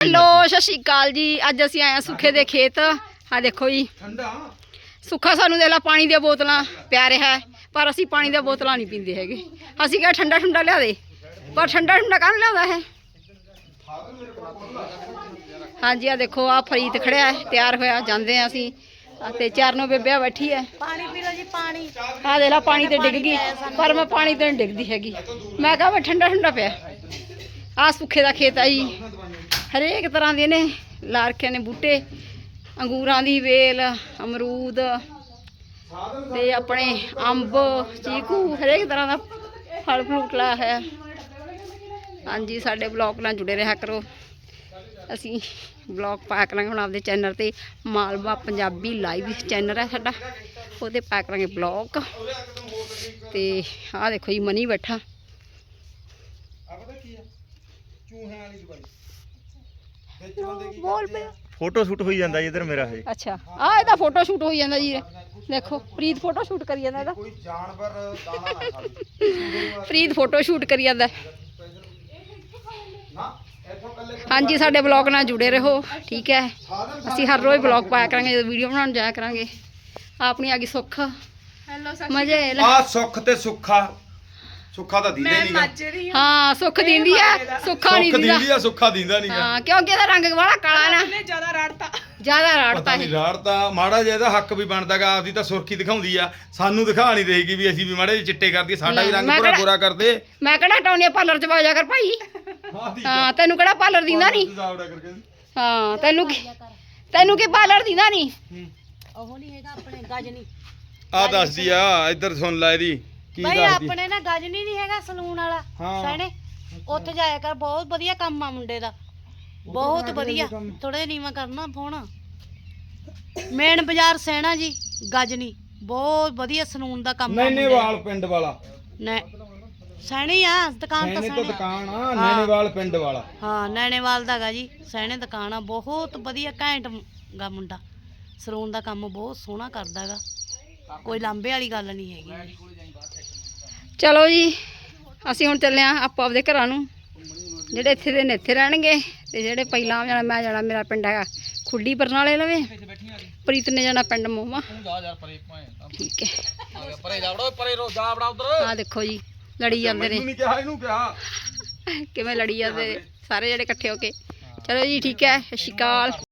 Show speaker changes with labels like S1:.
S1: लो सत श्री अकाल जी। अज असीं आए सुखे दे खेत। हाँ देखो जी सुखा सानू दे ला पानी दी बोतलां पिया रहा है, पर असीं पानी दी बोतलां नहीं पींदे हैगे। असीं क्या ठंडा ठंडा लिया दे, पर ठंडा ठंडा कौन लिया है। हाँ जी आ देखो आ फरीद खड़िया है, तैयार होया जांदे हैं असीं। ते चारनों बेबे बैठी है।
S2: पानी पी लो जी पानी।
S1: आ दे ला पानी ते डिग गई, पर मैं पानी ते नहीं डिगदी हैगी। मैं कहा मैं ठंडा ठंडा पिया। आ सुखे दा खेत है जी, हरेक तरह के ने ला रखे ने बूटे, अंगूरां दी वेल, अमरूद ते अपने अंब, चीकू, हरेक तरह का फल फ्रूट लाया है। हाँ जी साडे ब्लॉग नाल जुड़े रहा करो। असी ब्लॉग पाया करांगे हुण आपदे चैनल ते, मालवा पंजाबी लाइव चैनल है साडा, ओहदे पाया करांगे ब्लॉग। ते आ देखो जी मनी बैठा। बोल पे
S3: फोटो शूट होई जांदा इधर मेरा है।
S1: अच्छा आ ਇਹਦਾ फोटो शूट होई ਜਾਂਦਾ जी। देखो प्रीत फोटो शूट करी ਜਾਂਦਾ ਇਹਦਾ,
S3: कोई जानवर दाना ना खावे।
S1: प्रीत फोटो शूट करी ਜਾਂਦਾ। हाँ जी साडे ब्लॉग नाल जुड़े रहो ठीक है। असीं हर रोज़ ब्लॉग पाया करांगे, वीडियो बनाउण जाया करांगे। अपनी आ गई सुख मजे
S3: आ सुख ते सुखा सुखा दा दींदे नहीं।
S1: हाँ सुख दींदी है, सुखा नहीं
S3: सुख
S1: दींदा।
S3: दींदी आ सुखा दींदा नहीं।
S1: हाँ क्योंकि ਇਹਦਾ रंग बड़ा काला ना,
S2: ज्यादा राड़ता
S3: पता नहीं राड़ता माड़ा जिहा ਇਹਦਾ हक भी बनदागा। आपदी ਤਾਂ सुर्खी दिखाउंदी आ, ਸਾਨੂੰ दिखा नहीं देगी भी ਅਸੀਂ भी माड़े ਜਿਹੇ चिट्टे करदी, ਸਾਡਾ ਵੀ रंग पूरा गोरा कर दे।
S1: मैं कहड़ा हटाउणी पार्लर च जा कर भाई। हाँ तेनू कहड़ा पार्लर दींदा नहीं। हाँ तेनू की पार्लर दींदा नहीं।
S2: ਉਹ ਨਹੀਂ ਹੈਗਾ ਆਪਣੇ ਗਜਨੀ।
S3: आ दसदी आ इधर सुन ला ਇਹਦੀ ਕੀ
S2: ਬਈ
S3: ਦੱਸਦੀ।
S2: ਆਪਣੇ ਨਾ ਗਜਨੀ ਨਹੀਂ ਹੈਗਾ ਸਲੂਨ ਵਾਲਾ ਸਹਿਣੇ, ਉੱਥੇ ਜਾਇਆ ਕਰ। ਬਹੁਤ ਵਧੀਆ ਕੰਮ ਆ ਮੁੰਡੇ ਦਾ, ਬਹੁਤ ਵਧੀਆ। ਥੋੜੇ ਨੀਵਾ ਕਰਨਾ ਫੋਨ। ਮੇਨ ਬਾਜ਼ਾਰ ਸਹਿਣਾ ਜੀ ਗਜਨੀ, ਬਹੁਤ ਵਧੀਆ ਸਲੂਨ ਦਾ ਕੰਮ ਆ।
S3: ਨੈਣੇਵਾਲ ਪਿੰਡ ਵਾਲਾ
S2: ਨੇ ਸਹਿਣੀ ਆ ਦੁਕਾਨ ਤਾਂ
S3: ਸਹਿਣੇ ਤੋਂ
S2: ਸਹਿਣੇ।
S3: ਦੁਕਾਨ ਆ ਨੈਣੇਵਾਲ ਪਿੰਡ ਵਾਲਾ।
S2: ਹਾਂ ਨੈਣੇਵਾਲ ਦਾ ਗਾ ਜੀ ਸਹਿਣੇ ਦੁਕਾਨ ਆ। ਬਹੁਤ ਵਧੀਆ ਘੈਂਟ ਗਾ ਮੁੰਡਾ, ਸਲੂਨ ਦਾ ਕੰਮ ਬਹੁਤ ਸੋਹਣਾ ਕਰਦਾ ਗਾ, ਕੋਈ ਲਾਂਬੇ ਵਾਲੀ ਗੱਲ ਨਹੀਂ ਹੈਗੀ।
S1: चलो जी ਅਸੀਂ ਹੁਣ ਚੱਲੇ ਆਂ ਆਪੋ ਆਪਦੇ ਘਰਾਂ ਨੂੰ। ਜਿਹੜੇ ਇੱਥੇ ਦੇ ਨੇ ਇੱਥੇ ਰਹਿਣਗੇ, ਤੇ ਜਿਹੜੇ ਪਹਿਲਾਂ ਜਾਣਾ ਮੈਂ ਜਾਣਾ, ਮੇਰਾ ਪਿੰਡ ਹੈਗਾ ਖੁੱਡੀ ਬਰਨਾਲੇ ਲਵੇ। ਪ੍ਰੀਤ ਨੇ ਜਾਣਾ ਪਿੰਡ ਮੋਮਾ। ਠੀਕ ਹੈ ਆ ਦੇਖੋ ਜੀ ਲੜੀ ਜਾਂਦੇ ਨੇ,
S3: ਨਹੀਂ ਕਿਹਾ ਇਹਨੂੰ ਕਿਹਾ
S1: ਕਿਵੇਂ ਲੜੀ ਜਾਂਦੇ ਸਾਰੇ ਜਿਹੜੇ ਇਕੱਠੇ ਹੋ ਕੇ। ਚਲੋ ਜੀ ਠੀਕ ਹੈ, ਸਤਿ ਸ਼੍ਰੀ ਅਕਾਲ।